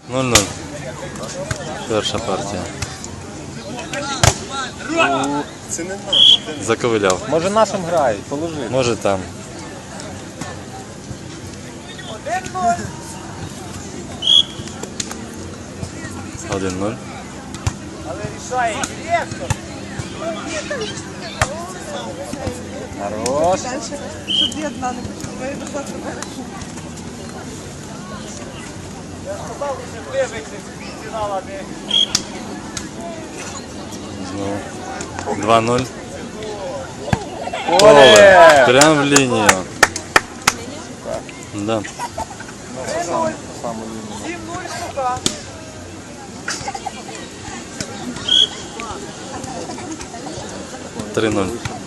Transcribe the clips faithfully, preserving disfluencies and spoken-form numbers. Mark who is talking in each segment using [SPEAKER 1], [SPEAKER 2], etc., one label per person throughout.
[SPEAKER 1] ноль-ноль. Перша партія.
[SPEAKER 2] Це не наш.
[SPEAKER 1] Заковиляв.
[SPEAKER 3] Може нашим грають, положи.
[SPEAKER 1] Може там. один-ноль.
[SPEAKER 4] Але рішає директор.
[SPEAKER 3] Хорош.
[SPEAKER 5] Щоб я одна не почула, я назад не
[SPEAKER 1] Знову. два-ноль.
[SPEAKER 3] Поле!
[SPEAKER 1] Прям в лінію. Да.
[SPEAKER 4] сім-нуль, сука.
[SPEAKER 1] три-ноль.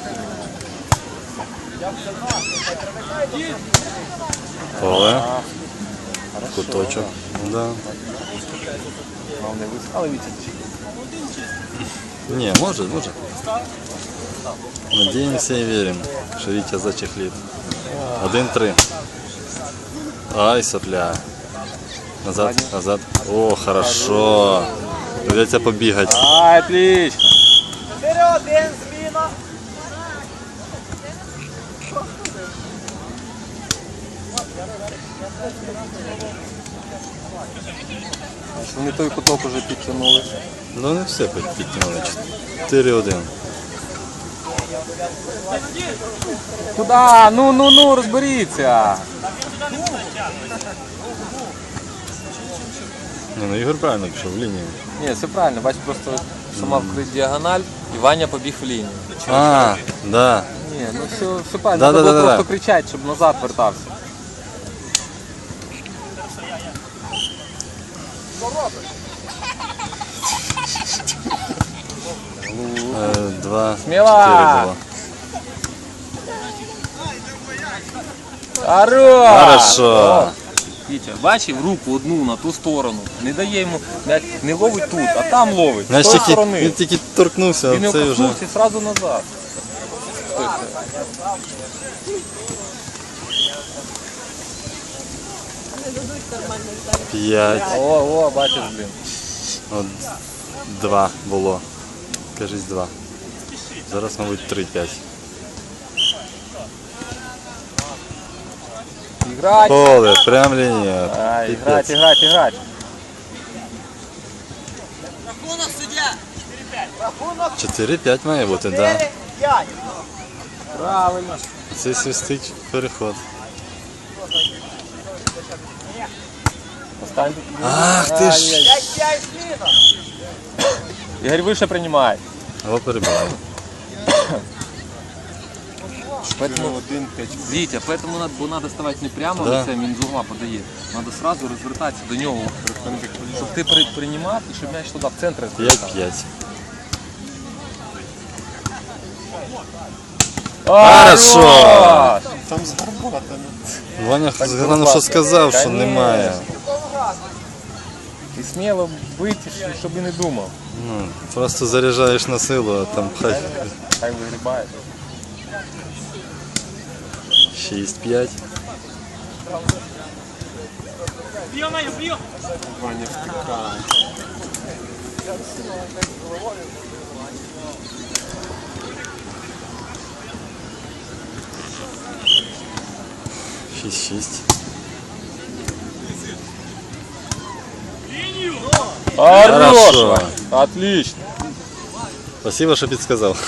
[SPEAKER 1] Поле. Куточок. Да.
[SPEAKER 3] Головне вискали Вітя.
[SPEAKER 1] Не, может, может. Надеемся и верим, что Витя зачехлит. один-три. Ай, сопля. Назад, назад. О, хорошо. Придется побегать.
[SPEAKER 3] Ай, отлично.
[SPEAKER 4] Вперед, один, зміна.
[SPEAKER 3] Вони той куток уже підтягнули.
[SPEAKER 1] Ну не все підтягнули. чотири-один.
[SPEAKER 3] Куда? Ну, ну, ну, розберіться.
[SPEAKER 1] Не, ну Ігор правильно пішов в лінію.
[SPEAKER 3] Ні, все правильно, бач, просто сама вкрить діагональ і Ваня побіг в лінію.
[SPEAKER 1] А, да.
[SPEAKER 3] Ні, ну все, все правильно,
[SPEAKER 1] Да,
[SPEAKER 3] треба
[SPEAKER 1] да,
[SPEAKER 3] було
[SPEAKER 1] да,
[SPEAKER 3] просто
[SPEAKER 1] да.
[SPEAKER 3] кричати, щоб назад вертався.
[SPEAKER 1] Е, Два,
[SPEAKER 3] Сміло!
[SPEAKER 1] чотири було.
[SPEAKER 3] Хорош!
[SPEAKER 1] Хорошо.
[SPEAKER 3] Вітя, бачив руку одну на ту сторону. Не дає йому, м'яч не ловить тут, а там ловить. З
[SPEAKER 1] Знаєш,
[SPEAKER 3] тої
[SPEAKER 1] тільки,
[SPEAKER 3] сторони.
[SPEAKER 1] він тільки торкнувся,
[SPEAKER 3] Він
[SPEAKER 1] а
[SPEAKER 3] його
[SPEAKER 1] цей вже.
[SPEAKER 3] коснувся і одразу назад. Хто це?
[SPEAKER 1] П'ять.
[SPEAKER 3] О, о, бачиш, блін.
[SPEAKER 1] От, два було. Кажись, два. Зараз, мабуть, три-п'ять.
[SPEAKER 3] Іграть!
[SPEAKER 1] Поле, прям лінія.
[SPEAKER 3] А,
[SPEAKER 1] Піпець.
[SPEAKER 3] іграть, іграть, іграть.
[SPEAKER 4] Рахунок, суддя. Рахунок
[SPEAKER 1] чотири-п'ять має бути, так. Да.
[SPEAKER 4] чотири-п'ять.
[SPEAKER 3] Правильно.
[SPEAKER 1] Це свистить переход.
[SPEAKER 3] Остань.
[SPEAKER 1] Ах ти ж.
[SPEAKER 4] п'ять-п'ять, зміна.
[SPEAKER 3] Ігор вище приймає.
[SPEAKER 1] Його перебиває.
[SPEAKER 3] Поэтому, Витя, поэтому надо, бо надо ставати не прямо
[SPEAKER 1] Да.
[SPEAKER 3] лицем, він з угла подає. Надо сразу розвертатися до нього, щоб ти при, приймав і щоб м'яч туди в центр розвертав.
[SPEAKER 1] п'ять-п'ять.
[SPEAKER 3] Хорошо!
[SPEAKER 2] Там з гарбатами.
[SPEAKER 1] Ваня головне, що сказав, що
[SPEAKER 3] Конечно.
[SPEAKER 1] немає.
[SPEAKER 3] І сміло бити, щоб і не думав.
[SPEAKER 1] Ну, просто заряджаєш на силу, а там хай.
[SPEAKER 3] Хай вигрібає.
[SPEAKER 1] шість-п'ять.
[SPEAKER 2] Ваня втикає.
[SPEAKER 1] шість-шість.
[SPEAKER 3] Хорошо!
[SPEAKER 1] Хорошо.
[SPEAKER 3] Отлично!
[SPEAKER 1] Спасибо, що підсказав.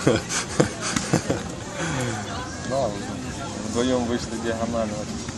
[SPEAKER 3] Да, вдвоем вышли диагонально.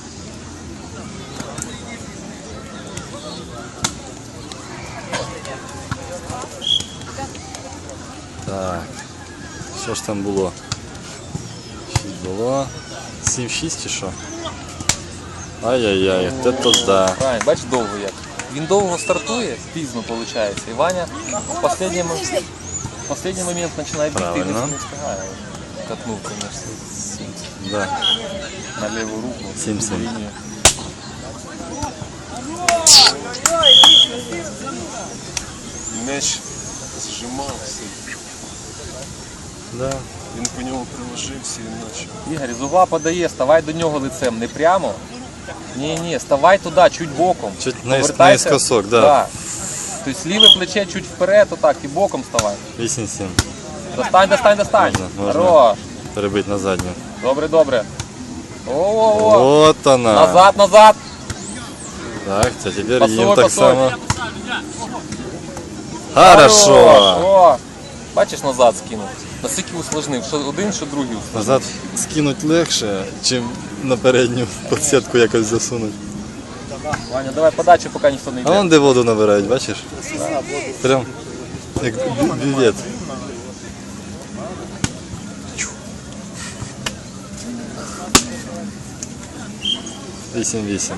[SPEAKER 1] Так. Що ж там було? шість було. сім-шість чи що? Ай-яй-яй, це то да.
[SPEAKER 3] Правильно, бач довго як. Він довго стартує, пізно виходить. І Ваня в останній, мо- в останній момент починає бігти і
[SPEAKER 1] Правильно.
[SPEAKER 3] не встигає. Катнув, звісно,
[SPEAKER 1] Да.
[SPEAKER 3] на ліву руку.
[SPEAKER 1] Сім-сім.
[SPEAKER 3] лінію.
[SPEAKER 2] М'яч зжимався.
[SPEAKER 1] Да.
[SPEAKER 2] Він по ньому приложився і наче.
[SPEAKER 3] Ігор, з угла подає, ставай до нього лицем, не прямо, Не-не, вставай туда, чуть боком.
[SPEAKER 1] Чуть наис-
[SPEAKER 3] Повертайся.
[SPEAKER 1] наискосок, да.
[SPEAKER 3] Да. То есть ліве плече чуть вперед, отак, і боком вставай.
[SPEAKER 1] вісім сім.
[SPEAKER 3] Достань, достань, достань.
[SPEAKER 1] Можна, можна.
[SPEAKER 3] Хорош.
[SPEAKER 1] Перебити на задню.
[SPEAKER 3] Добре, добре. О-о-о.
[SPEAKER 1] От вона.
[SPEAKER 3] Назад, назад.
[SPEAKER 1] Так, це тепер
[SPEAKER 3] Пасуй,
[SPEAKER 1] їм так
[SPEAKER 3] пасуй.
[SPEAKER 1] само. Хорошо.
[SPEAKER 3] О, бачиш, назад скинув. Наскільки усложнив, що один, що другий усложнив.
[SPEAKER 1] Назад скинуть легше, чим на передню подсітку якось засунуть.
[SPEAKER 3] Ваня, давай подачу, поки ніхто не
[SPEAKER 1] А
[SPEAKER 3] йде.
[SPEAKER 1] вон де воду набирають, бачиш? Прям як бю- бювет. Вісім-вісім.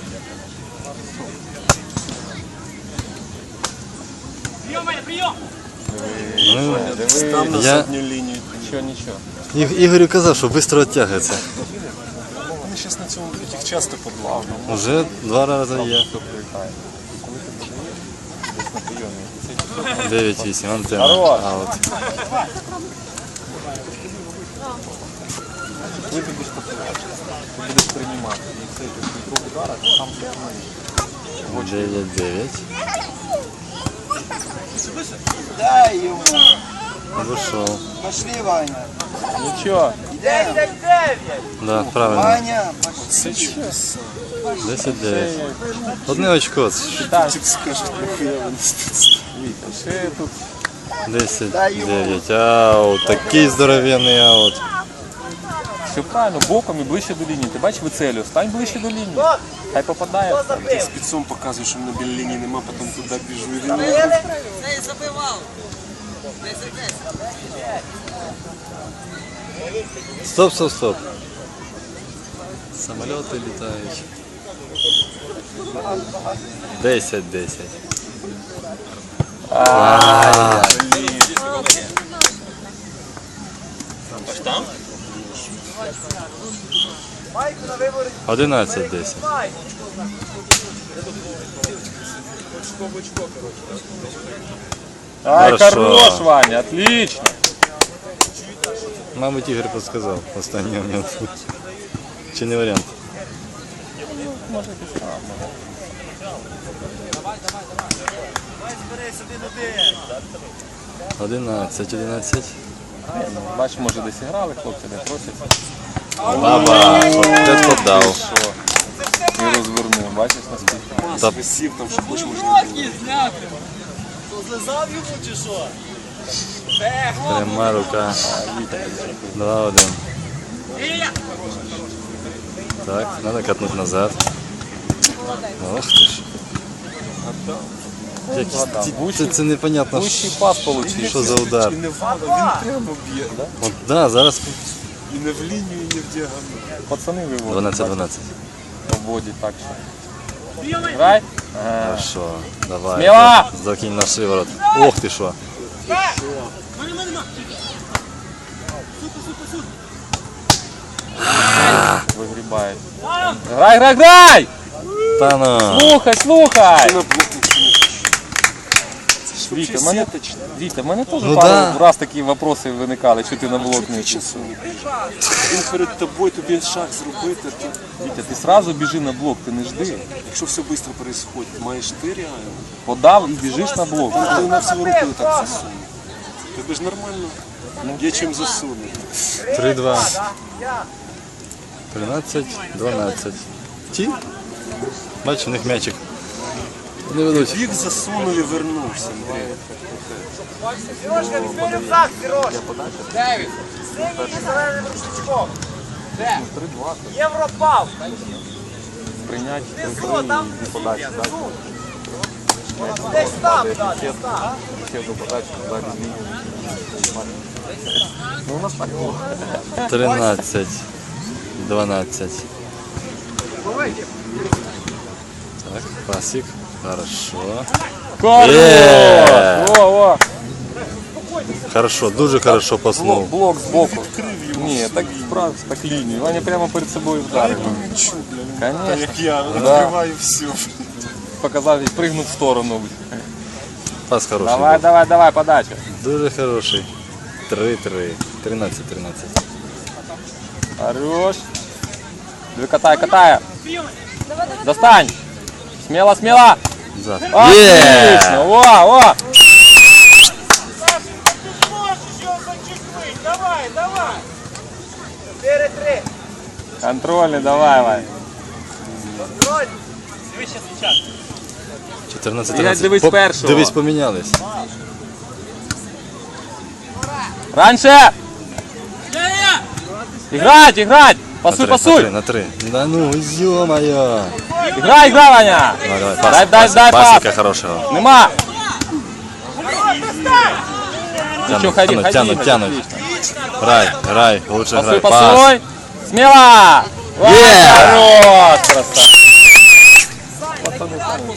[SPEAKER 1] Ну,
[SPEAKER 2] Став на
[SPEAKER 1] я
[SPEAKER 2] задню лінію.
[SPEAKER 3] Нічого, нічого.
[SPEAKER 1] Іг- Ігорю казав, що швидко відтягується.
[SPEAKER 2] Вони зараз на цьому будуть їх часто подлавно.
[SPEAKER 1] Уже два рази є. дев'ять-вісім, антенна.
[SPEAKER 3] Хорош.
[SPEAKER 1] Аут.
[SPEAKER 3] Ти будеш працювати, ти будеш приймати. І цей двох ударах сам приймаєш.
[SPEAKER 1] дев'ять-дев'ять.
[SPEAKER 4] Дай йому.
[SPEAKER 1] Вийшов.
[SPEAKER 4] Пошли, Ваня.
[SPEAKER 3] Нічого.
[SPEAKER 4] Йдемо. десять дев'ять.
[SPEAKER 1] Да, правильно.
[SPEAKER 4] Ваня, пошли.
[SPEAKER 2] Це чудеса.
[SPEAKER 1] десять-дев'ять. Одне очко.
[SPEAKER 3] Так,
[SPEAKER 2] Тільки скажуть, нахуя вони тут.
[SPEAKER 3] ще тут.
[SPEAKER 1] десять-дев'ять. Аут. Такий здоровенний аут.
[SPEAKER 3] Все правильно, боком і ближче до лінії. Ти бачиш вицелю, стань ближче до лінії. Хай попадає.
[SPEAKER 2] Я спецом показую, що на білій лінії нема, потім туди біжу і він.
[SPEAKER 4] Цей забивав. десять десять.
[SPEAKER 1] Стоп, стоп, стоп. Самоліти літають. десять-десять.
[SPEAKER 4] Майку на вибори.
[SPEAKER 1] одинадцять-десять.
[SPEAKER 3] Ай,
[SPEAKER 1] Хорошо.
[SPEAKER 3] хорош, Ваня, отлично.
[SPEAKER 1] Мабуть, Ігор підсказав останній момент. Чи не варіант? одинадцять, одинадцять.
[SPEAKER 3] Бачиш, може десь грали, хлопці не просять.
[SPEAKER 1] Баба, от це дав.
[SPEAKER 3] Що? І розвернув, бачиш наскільки.
[SPEAKER 2] Мас
[SPEAKER 1] Та-
[SPEAKER 2] висів, там що хоч можна було.
[SPEAKER 4] Злизав йому чи що?
[SPEAKER 1] Пряма рука. два-один. Так, надо катнуть назад. Ох ти ж. Якісь ці- Це, це непонятно,
[SPEAKER 3] Вищий пас
[SPEAKER 1] що
[SPEAKER 3] получив.
[SPEAKER 1] за удар.
[SPEAKER 2] І не вгадав, він прямо б'є.
[SPEAKER 1] От, да, зараз
[SPEAKER 2] І не в лінію, і не в діагональ.
[SPEAKER 3] Пацани виводять.
[SPEAKER 1] дванадцять-дванадцять.
[SPEAKER 3] Обводять так що. Грай. Ага.
[SPEAKER 1] Хорошо, давай.
[SPEAKER 3] Сміло!
[SPEAKER 1] Закинь на шиворот. Ох ти що.
[SPEAKER 3] Вигрібають. Грай, грай, грай!
[SPEAKER 1] Та ну.
[SPEAKER 3] Слухай, слухай!
[SPEAKER 2] На блок нічого. Це ж
[SPEAKER 3] Вітя,
[SPEAKER 2] взагалі
[SPEAKER 3] мене,
[SPEAKER 2] сіточне.
[SPEAKER 3] Вітя, в мене теж
[SPEAKER 1] Ну
[SPEAKER 3] пару
[SPEAKER 1] да.
[SPEAKER 3] раз такі вопроси виникали, що ти на блок не
[SPEAKER 2] Ти
[SPEAKER 3] йшов.
[SPEAKER 2] часу не біжиш. Він перед тобою, тобі шаг зробити, то
[SPEAKER 3] Вітя, ти сразу біжи на блок, ти не жди.
[SPEAKER 2] якщо все швидко відбувається, маєш ти реально,
[SPEAKER 3] Подав і біжиш на блок.
[SPEAKER 2] ти на всю руку так засунув. Тобі ж нормально, є чим засунути.
[SPEAKER 1] три-два. тринадцять-дванадцять. Ті? Бачиш, у них м'ячик. Не ведуть.
[SPEAKER 2] Біг засунув і вернувся, Андрій.
[SPEAKER 4] Сережка, візьми рюкзак, Сереж. Дев'ять. Синій і зеленим рушничком. Де? Європав.
[SPEAKER 3] Прийняти
[SPEAKER 4] Внизу, там подачі. Десь там, да, десь там.
[SPEAKER 3] Ну, у нас так було.
[SPEAKER 1] тринадцять. дванадцять. Так, пасик. Хорошо.
[SPEAKER 3] Хорош!
[SPEAKER 1] Є!
[SPEAKER 3] О, о!
[SPEAKER 1] Хорошо, дуже хорошо
[SPEAKER 3] Блок,
[SPEAKER 1] паснув.
[SPEAKER 3] блок збоку. Ні, так справді, так лінію. Ваня прямо перед собою вдарив.
[SPEAKER 2] Чу, бля, він
[SPEAKER 3] Конечно.
[SPEAKER 2] як я, відкриваю все.
[SPEAKER 3] Показав і пригнув в сторону.
[SPEAKER 1] Пас хороший.
[SPEAKER 3] Давай,
[SPEAKER 1] був.
[SPEAKER 3] давай, давай, подача.
[SPEAKER 1] Дуже хороший. три-три. тринадцять-тринадцять.
[SPEAKER 3] Хорош. Диви, катає, катає. Достань! Смело, смело!
[SPEAKER 1] За.
[SPEAKER 3] Отлично! Во, во!
[SPEAKER 4] Давай, давай. четыре-три.
[SPEAKER 3] Контрольный, давай, Вань.
[SPEAKER 4] Контроль.
[SPEAKER 1] чотирнадцять
[SPEAKER 3] Ігор,
[SPEAKER 1] тринадцять.
[SPEAKER 3] дивись
[SPEAKER 1] Поп-
[SPEAKER 3] першого.
[SPEAKER 1] Дивись, помінялись.
[SPEAKER 3] Раньше! Играть, играть!
[SPEAKER 1] На
[SPEAKER 3] Пасуй,
[SPEAKER 1] три,
[SPEAKER 3] пасуй!
[SPEAKER 1] На три, на три. Да ну, ё-моё.
[SPEAKER 3] Играй, играй, Ваня!
[SPEAKER 1] Давай, давай,
[SPEAKER 3] Дай,
[SPEAKER 1] пас,
[SPEAKER 3] дай,
[SPEAKER 1] пас,
[SPEAKER 3] дай,
[SPEAKER 1] пасика
[SPEAKER 3] пас.
[SPEAKER 1] хорошего.
[SPEAKER 3] Нема!
[SPEAKER 1] Тянут,
[SPEAKER 3] Ничего, ходи,
[SPEAKER 1] тянут,
[SPEAKER 3] ходи,
[SPEAKER 1] тянут,
[SPEAKER 3] ходи,
[SPEAKER 1] тянут.
[SPEAKER 3] отлично.
[SPEAKER 1] Рай, рай, лучше
[SPEAKER 3] Пасуй,
[SPEAKER 1] играй. Пас.
[SPEAKER 3] пасуй! Смело! Ваня,
[SPEAKER 1] Yeah!
[SPEAKER 3] хорош, красавчик! Пацаны сами.